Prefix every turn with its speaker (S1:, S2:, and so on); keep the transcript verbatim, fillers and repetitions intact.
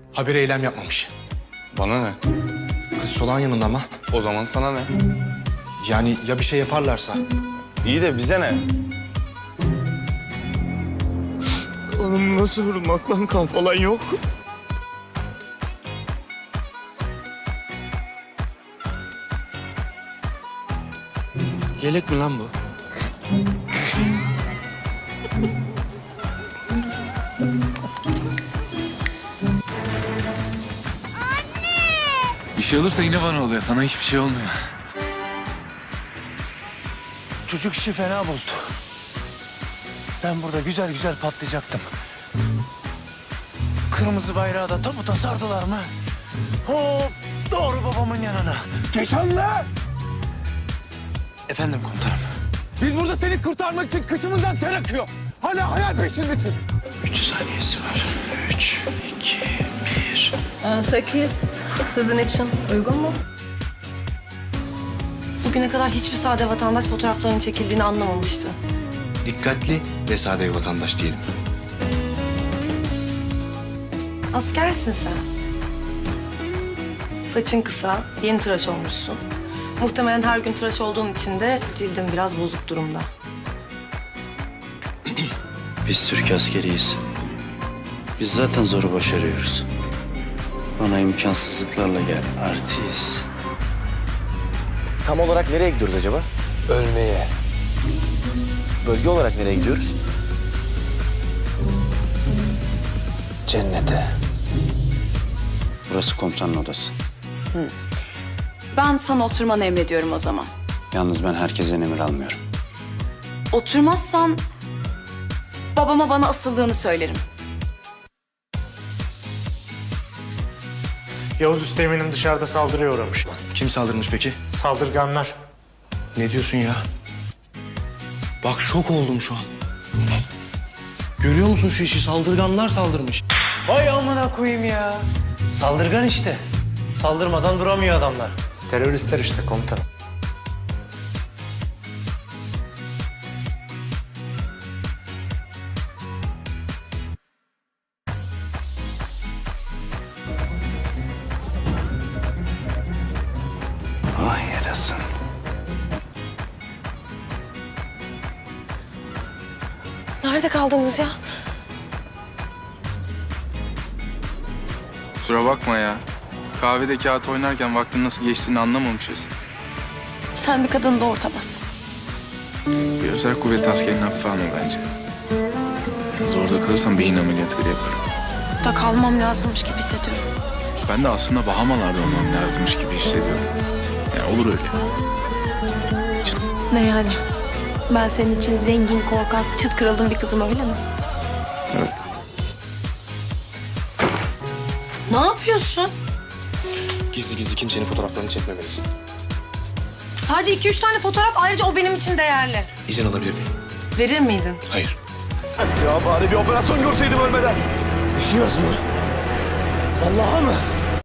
S1: Haber eylem yapmamış.
S2: Bana ne?
S1: Kız çolağın yanında ama.
S2: O zaman sana ne?
S1: Yani ya bir şey yaparlarsa?
S2: İyi de bize ne?
S3: Oğlum nasıl vurulmak lan, kan falan yok.
S1: Yelek mi lan bu?
S4: Bir şey olursa yine bana oluyor. Sana hiçbir şey olmuyor.
S3: Çocuk işi fena bozdu. Ben burada güzel güzel patlayacaktım. Kırmızı bayrağı da tabuta sardılar mı? Hop doğru babamın yanına.
S5: Keşanlı!
S3: Efendim komutanım.
S5: Biz burada seni kurtarmak için kıçımızdan ter akıyor. Hala hayal peşindesin.
S3: Üç saniyesi var. Üç, iki, bir.
S6: Sekiz sizin için uygun mu? Bugüne kadar hiçbir sade vatandaş fotoğraflarının çekildiğini anlamamıştı.
S1: Dikkatli ve sade bir vatandaş diyelim.
S6: Askersin sen. Saçın kısa, yeni tıraş olmuşsun. Muhtemelen her gün tıraş olduğun için de cildin biraz bozuk durumda.
S7: Biz Türk askeriyiz. Biz zaten zoru başarıyoruz. Bana imkansızlıklarla gel, artist.
S8: Tam olarak nereye gidiyoruz acaba?
S3: Ölmeye.
S8: Bölge olarak nereye gidiyoruz?
S3: Cennete.
S7: Burası komutanın odası.
S9: Ben sana oturmanı emrediyorum o zaman.
S7: Yalnız ben herkesten emir almıyorum.
S9: Oturmazsan babama bana asıldığını söylerim.
S10: Yavuz Üsteğmen'im dışarıda saldırıya uğramış.
S1: Kim saldırmış peki?
S10: Saldırganlar.
S1: Ne diyorsun ya? Bak şok oldum şu an. Görüyor musun şu işi? Saldırganlar saldırmış.
S10: Vay amına koyayım ya. Saldırgan işte. Saldırmadan duramıyor adamlar. Teröristler işte komutanım.
S7: Vay yarasın.
S6: Nerede kaldınız ya?
S2: Kusura bakma ya. Kahvede kağıt oynarken vaktin nasıl geçtiğini anlamamışız.
S9: Sen bir kadını doğurtamazsın.
S2: Bir özel kuvvet askerinin hafife alma bence. Yalnız orada kalırsam beyin ameliyatı bile yaparım.
S9: Burada kalmam lazımmış gibi hissediyorum.
S2: Ben de aslında Bahamalarda olmam lazımmış gibi hissediyorum. Yani olur öyle.
S9: Ne yani? Ben senin için zengin, korkak, çıt kırıldığım bir kızım öyle mi?
S2: Evet.
S6: Ne yapıyorsun?
S1: Gizli gizli kimsenin fotoğraflarını çekmemelisin.
S6: Sadece iki üç tane fotoğraf, ayrıca o benim için değerli.
S1: İzin alabilir miyim?
S6: Verir miydin?
S1: Hayır.
S5: Ya bari bir operasyon görseydim ölmeden.
S10: Düşüyoruz mu? Allah'a mı?